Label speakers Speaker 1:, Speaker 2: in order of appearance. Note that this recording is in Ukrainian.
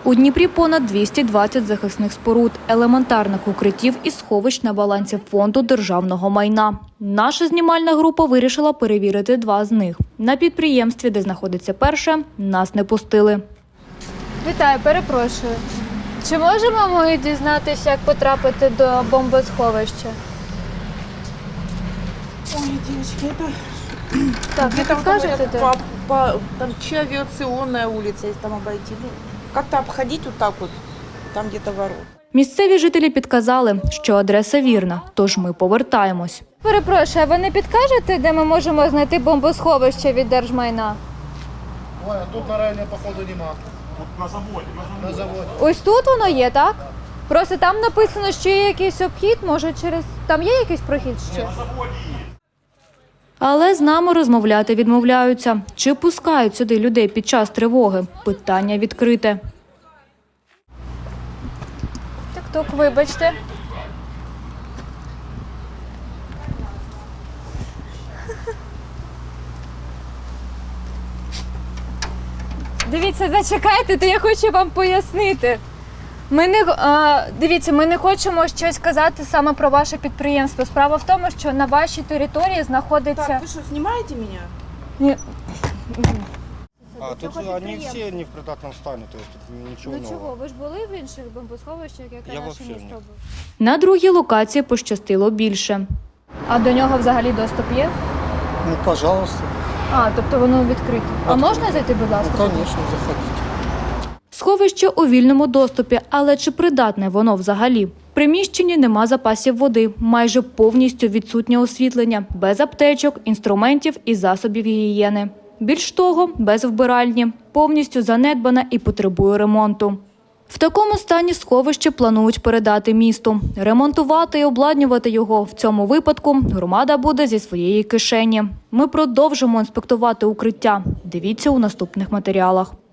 Speaker 1: У Дніпрі понад 220 захисних споруд, елементарних укриттів і сховищ на балансі Фонду державного майна. Наша знімальна група вирішила перевірити 2 з них. На підприємстві, де знаходиться перше, нас не пустили.
Speaker 2: Вітаю, перепрошую. Чи можемо ми дізнатися, як потрапити до бомбосховища?
Speaker 3: Ой, девочки, это
Speaker 2: Так, ви підкажете, де?
Speaker 3: там че авиационная улица, если там обойти. Ну, как-то обходить вот так вот, там где-то ворот.
Speaker 1: Місцеві жителі підказали, що адреса вірна, тож ми повертаємось.
Speaker 2: Перепрошую, а ви не підкажете, де ми можемо знайти бомбосховище від держмайна?
Speaker 4: Ой, а тут на районі, походу, нема. Тут на заводі. На заводі.
Speaker 2: Ось тут воно є, так? Просто там написано, що є якийсь обхід, може через... Там є якийсь прохід ще?
Speaker 1: Але з нами розмовляти відмовляються. Чи пускають сюди людей під час тривоги? Питання відкрите.
Speaker 2: Тук, вибачте. Дивіться, зачекайте, то я хочу вам пояснити. Дивіться, ми не хочемо щось казати саме про ваше підприємство. Справа в тому, що на вашій території знаходиться...
Speaker 3: Так, вы что, снимаете меня?
Speaker 2: Ні.
Speaker 4: А тут они все не в придатном стані, то есть тут нічого
Speaker 2: Ну
Speaker 4: нового.
Speaker 2: чого, ви ж були в інших бомбосховищах, яке
Speaker 4: Я
Speaker 2: наше
Speaker 4: вообще
Speaker 2: місто
Speaker 4: ні.
Speaker 2: було?
Speaker 1: На другій локації пощастило більше.
Speaker 2: А до нього взагалі доступ є?
Speaker 4: Ну, пожалуйста.
Speaker 2: А, тобто воно відкрите. А
Speaker 4: Відкрите.
Speaker 2: можна зайти, будь ласка?
Speaker 4: Ну, конечно, заходите.
Speaker 1: Сховище у вільному доступі, але чи придатне воно взагалі? В приміщенні нема запасів води, майже повністю відсутнє освітлення, без аптечок, інструментів і засобів гігієни. Більш того, без вбиральні, повністю занедбане і потребує ремонту. В такому стані сховище планують передати місту. Ремонтувати і обладнювати його в цьому випадку громада буде зі своєї кишені. Ми продовжимо інспектувати укриття. Дивіться у наступних матеріалах.